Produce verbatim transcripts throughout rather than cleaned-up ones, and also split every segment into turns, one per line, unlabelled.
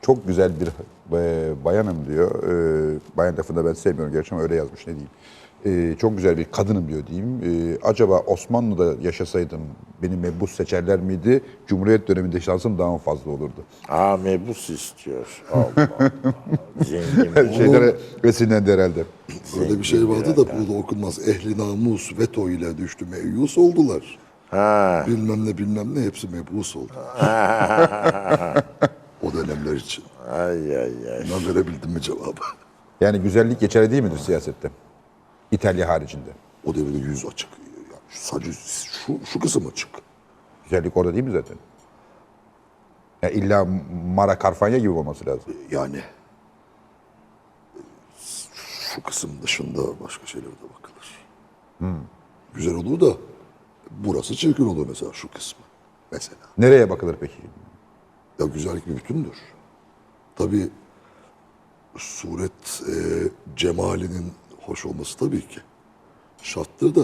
çok güzel bir e, bayanım diyor. E, bayan lafını da ben sevmiyorum gerçi ama öyle yazmış, ne diyeyim. E, çok güzel bir kadınım diyor diyeyim. E, acaba Osmanlı'da yaşasaydım beni mebus seçerler miydi? Cumhuriyet döneminde şansım daha mı fazla olurdu?
Aa mebus istiyor. Allah Allah. Zengin.
Şeylere esinlendi herhalde.
Öyle bir şey vardı da burada okunmaz. Ehli namus veto ile düştü meyus oldular.
Ha.
Bilmem ne bilmem ne hepsi mebus oldu. O dönemler için.
Ay ay ay.
Ben verebildim mi cevabı?
Yani güzellik geçerli değil midir siyasette? İtalya haricinde.
O devirde yüz açık. Yani sadece şu, şu kısım açık.
Güzellik orada değil mi zaten? Ya illa Mara Carfagna gibi olması lazım.
Yani şu kısım dışında başka şeylere de bakılır. Güzel olur da burası çirkin olur mesela şu kısmı. Mesela.
Nereye bakılır peki?
Ya güzellik bir bütündür. Tabii suret e, cemalinin hoş olması tabii ki şarttır da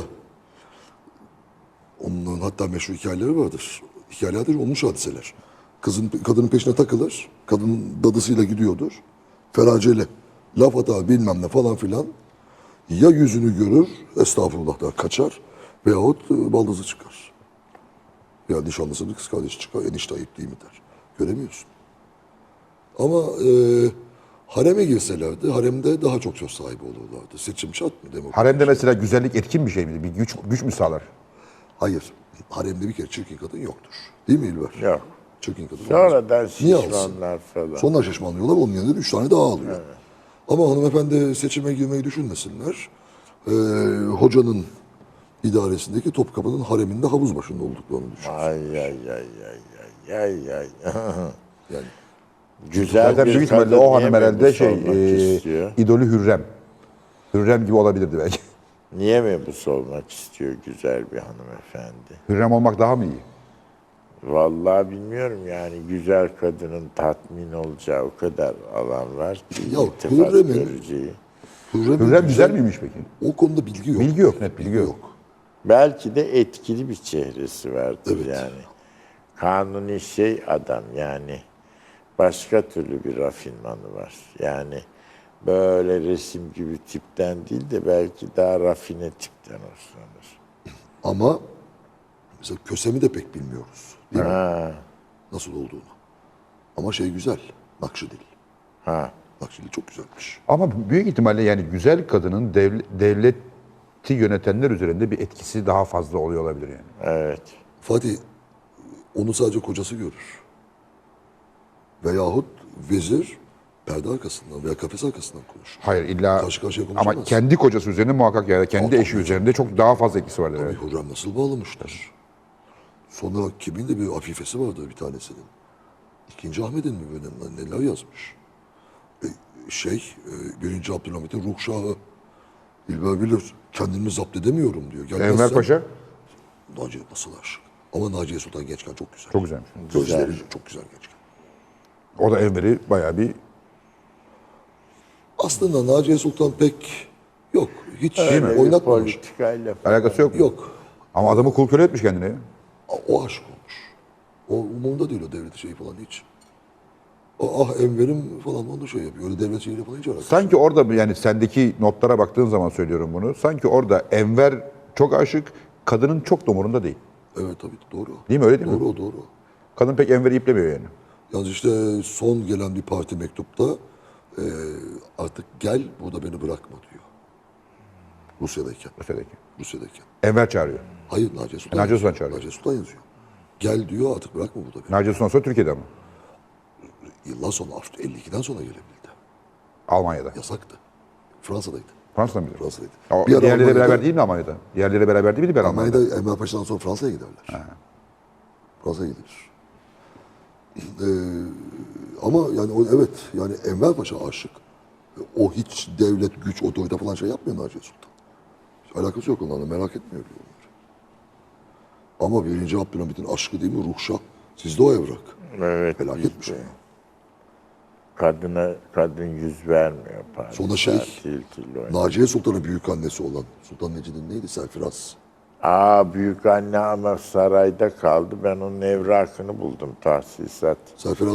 onun hatta meşhur hikayeleri vardır. Hikayelerdir olmuş hadiseler. Kızın kadının peşine takılır. Kadın dadısıyla gidiyordur. Feraceli. Laf atar bilmem ne falan filan. Ya yüzünü görür, estağfurullah der, kaçar. Veyahut e, baldızı çıkar. Ya nişanlısının kız kardeşi çıkar. Enişte ayıp değil mi der. Göremiyorsun. Ama e, hareme girselerdi, haremde daha çok söz sahibi olurlardı. Seçim şart mı? Demokrasi
Haremde
şart.
mesela güzellik etkin bir şey midir? Bir güç güç mü sağlar?
Hayır. Haremde bir kere çirkin kadın yoktur. Değil mi İlber?
Yok.
Çirkin kadın olmaz.
Sonradan
Niye alsın?
şişmanlar falan.
Sonra şişmanlıyorlar, onun yanında üç tane daha alıyor. Ama hanımefendi seçime girmeyi düşünmesinler. Ee, hocanın idaresindeki Topkapı'nın hareminde havuz başında olduklarını düşün.
Ay ay ay ay ay ay ay.
Yani
Güzel
Zaten
bir
büyük ihtimalle
kadın
o hanım
niye
herhalde
mebus
şey
olmak
e,
istiyor?
idolü Hürrem. Hürrem gibi olabilirdi belki.
Niye mebus olmak istiyor güzel bir hanımefendi?
Hürrem olmak daha mı iyi?
Vallahi bilmiyorum yani güzel kadının tatmin olacağı o kadar alan var ki
Ya
iltifat
Hürrem'in-
göreceği.
Hürrem'in
Hürrem güzel miymiş peki?
O konuda bilgi yok.
Bilgi yok, net bilgi yok.
Belki de etkili bir çehresi vardır
Evet.
yani. Kanuni şey adam yani başka türlü bir rafinmanı var. Yani böyle resim gibi tipten değil de belki daha rafine tipten hoşlanır.
Ama mesela Kösem'i de pek bilmiyoruz. Değil mi?
Ha,
Nasıl olduğunu. Ama şey güzel. Nakşidil.
ha.
Nakşidil çok güzelmiş.
Ama büyük ihtimalle yani güzel kadının devle- devleti yönetenler üzerinde bir etkisi daha fazla oluyor olabilir yani.
Evet.
Fatih onu sadece kocası görür. Veyahut vezir perde arkasından veya kafes arkasından konuşur.
Hayır illa
Karşı karşıya konuşamaz.
ama kendi kocası üzerinde muhakkak ya da kendi
Aa,
eşi
tabii.
üzerinde çok daha fazla etkisi vardır.
Tabii
Evet.
hocam nasıl bağlamışlar. Sonra kimin de bir afifesi vardı bir tanesinin. İkinci Ahmet'in mi böyle neler yazmış. E, şey, e, birinci Abdülhamit'in ruhşahı. İlber bilir, kendimi zapt edemiyorum diyor. Gelmezsen,
Enver Paşa
Naciye nasıl aşık. Ama Naciye Sultan gençken çok güzel.
çok güzelmiş.
Gözleri çok güzel gençken.
O da Enver'i bayağı bir
Aslında Naciye Sultan pek yok. Hiç
Öyle bir
oynatmamış.
politikayla falan.
alakası yok mu?
Yok.
Ama adamı kul köle etmiş kendine ya.
O aşık olmuş. O umurunda değil o devlet şeyi falan hiç. O, ah Enver'im falan onu şey yapıyor. Öyle devlet şeyiyle falan hiç alakası.
Sanki orada yani sendeki notlara baktığın zaman söylüyorum bunu. Sanki orada Enver çok aşık, kadının çok da umurunda değil.
Evet tabii doğru.
Değil mi? Öyle değil mi?
doğru, Doğru
Kadın pek Enver'i iplemiyor yani.
Yalnız işte son gelen bir parti mektupta e, artık gel burada beni bırakma diyor. Rusya'dayken.
Rusya'daki.
Rusya'dayken.
Enver çağırıyor.
Hayır Naciye Sultan.
Naciye Sultan
yazıyor.
çağırıyor.
Naciye Sultan yazıyor. Gel diyor artık bırakma burada beni.
Naciye Sultan sonra Türkiye'de ama.
Yıllar sonra elli ikiden sonra gelebildi.
Almanya'da.
Yasaktı. Fransa'daydı.
Fransa'da mıydı?
Fransa'daydı.
O,
Bir ara
diğerleriyle
Almanya'da-
beraber değil mi Almanya'da? Diğerleriyle beraber değil miydi ben Almanya'da?
Almanya'da Enver Paşa'dan sonra Fransa'ya giderler. Fransa'ya gidilir. Ee, ama yani o, evet yani Enver Paşa aşık. O hiç devlet, güç, otorite falan şey yapmıyor Naciye Sultan. Hiç alakası yok onlarla merak etmiyor diyor onları. Ama birinci Abdülhamit'in aşkı değil mi Ruhşah? Sizde o evrak.
Evet.
Felaketmiş o.
bizde. Kadına kadın yüz vermiyor. Paris'te,
Sonra şey,
til til oynuyor.
Naciye Sultan'ın büyük annesi olan Sultan Necid'in neydi? Serfiraz.
Aa büyük anne ama sarayda kaldı. Ben onun evrakını buldum tahsisat.
Serfiraz'ın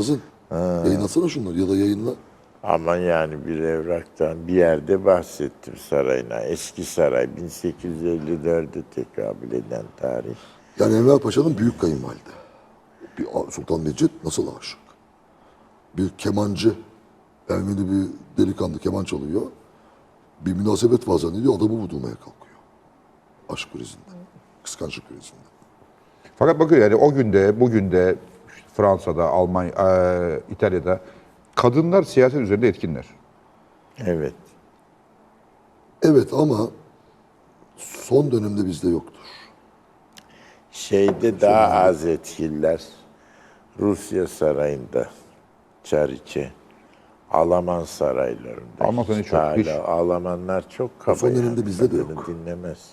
Yayınlatsana şunları ya da yayınla.
Ama yani bir evraktan bir yerde bahsettim sarayına. Eski saray bin sekiz yüz elli dörde tekabül eden tarih.
Yani Enver Paşa'nın büyük kayınvalide. Bir Sultan Mecid nasıl aşık? Bir kemancı, Ermeni bir delikanlı keman çalıyor. Bir münasebet var zannediyor, adamı vurdurmaya kalkıyor. Aşk krizinden, kıskançlık krizinden.
Fakat bakın yani o günde, bugün de işte Fransa'da, Almanya, eee, İtalya'da kadınlar siyaset üzerinde etkinler.
Evet.
Evet ama son dönemde bizde yoktur.
Şeyde daha az etkililer. Rusya sarayında, Çariçe, Alman saraylarında.
Alman sarayı
hiç
çok,
hala-
hiç.
Almanlar çok kaba.
son dönemde
yani,
bizde de
kadını
yok.
Dinlemez.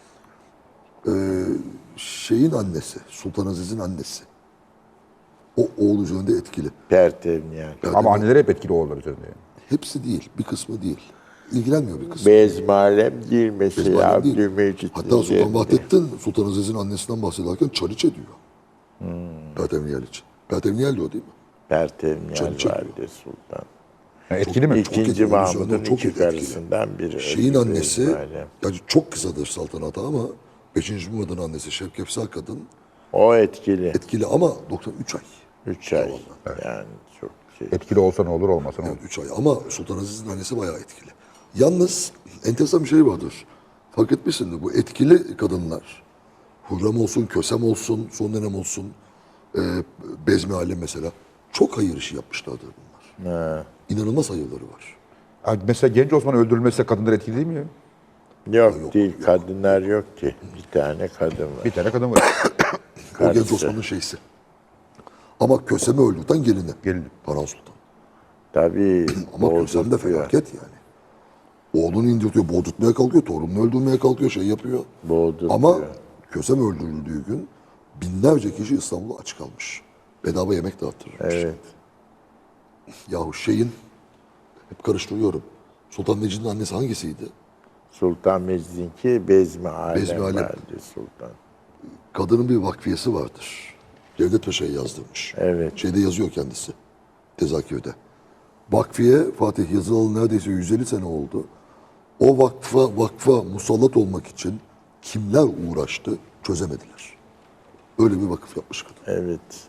Şeyin annesi, Sultan Aziz'in annesi. O oğul üzerinde etkili.
Pertevniyal.
Ama anneler hep etkili oğullar üzerinde. Yani.
Hepsi değil, bir kısmı değil. İlgilenmiyor bir kısmı.
Bezmalem değil mesela
Ezberlen değil.
Abdülmecit'in
Hatta Sultan
yerinde.
Vahdettin Sultan Aziz'in annesinden bahsederken Çariçe diyor.
Hmm.
Pertevniyal için. Pertevniyal diyor değil mi?
Pertevniyal
Çariçe
Valide Sultan.
Yani etkili mi?
İkinci
etkili, onun
Mahmud'un
üzerinde çok
iki
etkili.
karısından biri.
Şeyin
öldü
annesi,
Bezmalem.
yani çok kısadır saltanatı ama beşinci Murad'ın annesi Şevkefsar kadın
O etkili.
etkili ama doksan üç ay.
Üç ay. Yani çok şey.
Etkili olsa ne olur, olmasa ne olur.
üç ay ama Sultan Aziz'in annesi bayağı etkili. Yalnız enteresan bir şey vardır. Fark etmişsindir bu etkili kadınlar. Hürrem olsun, Kösem olsun, son dönem olsun, e, Bezmi Alem mesela. Çok hayır işi yapmışlardır bunlar.
Ha.
İnanılmaz hayırları var.
Ha, mesela Genç Osman öldürülmezse kadınlar etkili değil mi ya?
Yok,
Yok,
değil.
yok.
Kadınlar yok ki. Bir tane kadın var.
Bir tane kadın var.
O Genç
Karısı.
Osman'ın şeysi. Ama Kösem'i öldürten gelini.
Gelini.
Baran Sultan.
Tabii.
Ama Kösem de
boğdurtuyor.
felaket yani. Oğlunu indirtiyor, boğdurtmaya kalkıyor, torununu öldürmeye kalkıyor, şey yapıyor.
Boğdurtuyor.
Ama Kösem öldürüldüğü gün binlerce kişi İstanbul'a aç kalmış. Bedava yemek dağıttırılmış.
Evet.
Yahu şeyin, hep karıştırıyorum. Sultan Mecid'in annesi hangisiydi?
Sultan Mecid'inki Bezmi Alem
Bezmi Alem.
Valide Sultan.
Kadının bir vakfiyesi vardır. Devlet Paşa'ya yazdırmış.
Evet.
Şeyde yazıyor kendisi. Tezakirde. Vakfiye Fatih yazılalı neredeyse yüz elli sene oldu. O vakfa vakfa musallat olmak için kimler uğraştı çözemediler. Öyle bir vakıf yapmış kadın.
Evet.